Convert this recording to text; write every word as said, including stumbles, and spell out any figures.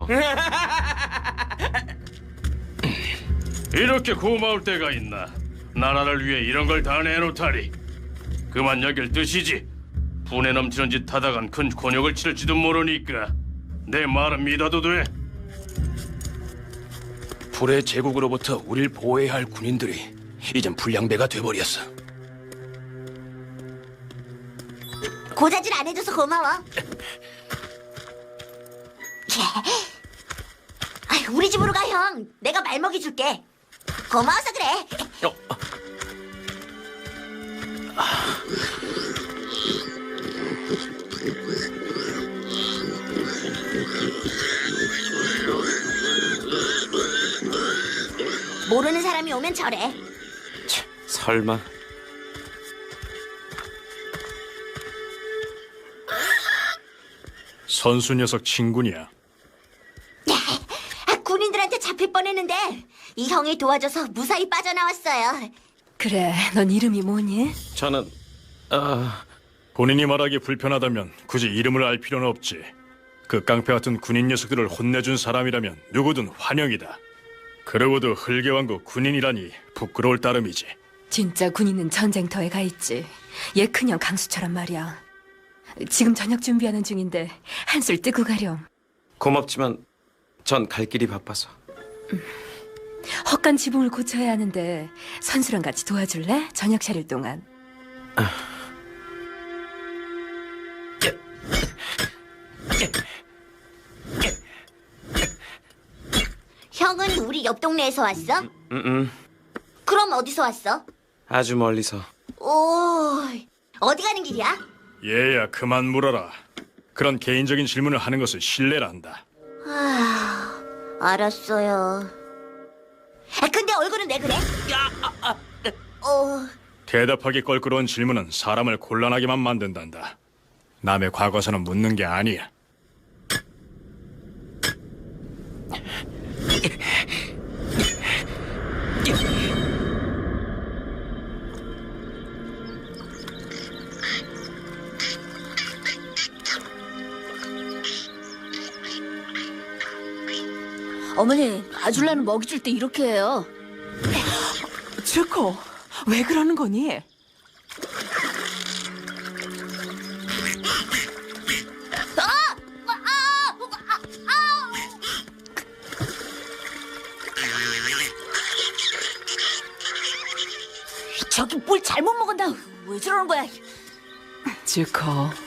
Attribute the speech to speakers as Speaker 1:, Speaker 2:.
Speaker 1: 이렇게 고마울 때가 있나? 나라를 위해 이런 걸 다 내놓다니. 그만 여길 뜻이지. 분에 넘치는 짓 하다간 큰 곤욕을 치를지도 모르니까 내 말은 믿어도 돼.
Speaker 2: 불의 제국으로부터 우릴 보호해야 할 군인들이 이젠 불량배가 돼버렸어.
Speaker 3: 고자질 안 해줘서 고마워. 아이, 우리 집으로 가, 형. 내가 말 먹여줄게. 고마워서 그래.
Speaker 2: 어,
Speaker 3: 모르는 사람이 오면 저래.
Speaker 4: 설마.
Speaker 5: 선수 녀석 친구냐?
Speaker 3: 아, 군인들한테 잡힐 뻔했는데 이 형이 도와줘서 무사히 빠져나왔어요.
Speaker 6: 그래, 넌 이름이 뭐니?
Speaker 4: 저는 아
Speaker 5: 본인이 말하기 불편하다면 굳이 이름을 알 필요는 없지. 그 깡패 같은 군인 녀석들을 혼내준 사람이라면 누구든 환영이다. 그러고도 흙의왕국 군인이라니 부끄러울 따름이지.
Speaker 6: 진짜 군인은 전쟁터에 가 있지. 얘 큰형 강수처럼 말이야. 지금 저녁 준비하는 중인데 한술 뜨고 가렴.
Speaker 4: 고맙지만 전 갈 길이 바빠서.
Speaker 6: 헛간 지붕을 고쳐야 하는데 선수랑 같이 도와줄래? 저녁 차릴 동안.
Speaker 3: 형은 우리 옆 동네에서 왔어?
Speaker 4: 음,
Speaker 3: 그럼 어디서 왔어?
Speaker 4: 아주 멀리서.
Speaker 3: 오, 어디 가는 길이야?
Speaker 5: 얘야 그만 물어라. 그런 개인적인 질문을 하는 것은 실례란다.
Speaker 3: 아, 알았어요. 아, 근데 얼굴은 왜 그래? 어,
Speaker 5: 대답하기 껄끄러운 질문은 사람을 곤란하게만 만든단다. 남의 과거사는 묻는 게 아니야.
Speaker 7: 어머니, 아줄라는 먹이 줄 때 이렇게 해요.
Speaker 8: 주코, 왜 그러는 거니?
Speaker 7: 저기 뭘 잘못 먹었나? 왜 저러는 거야?
Speaker 8: 주코,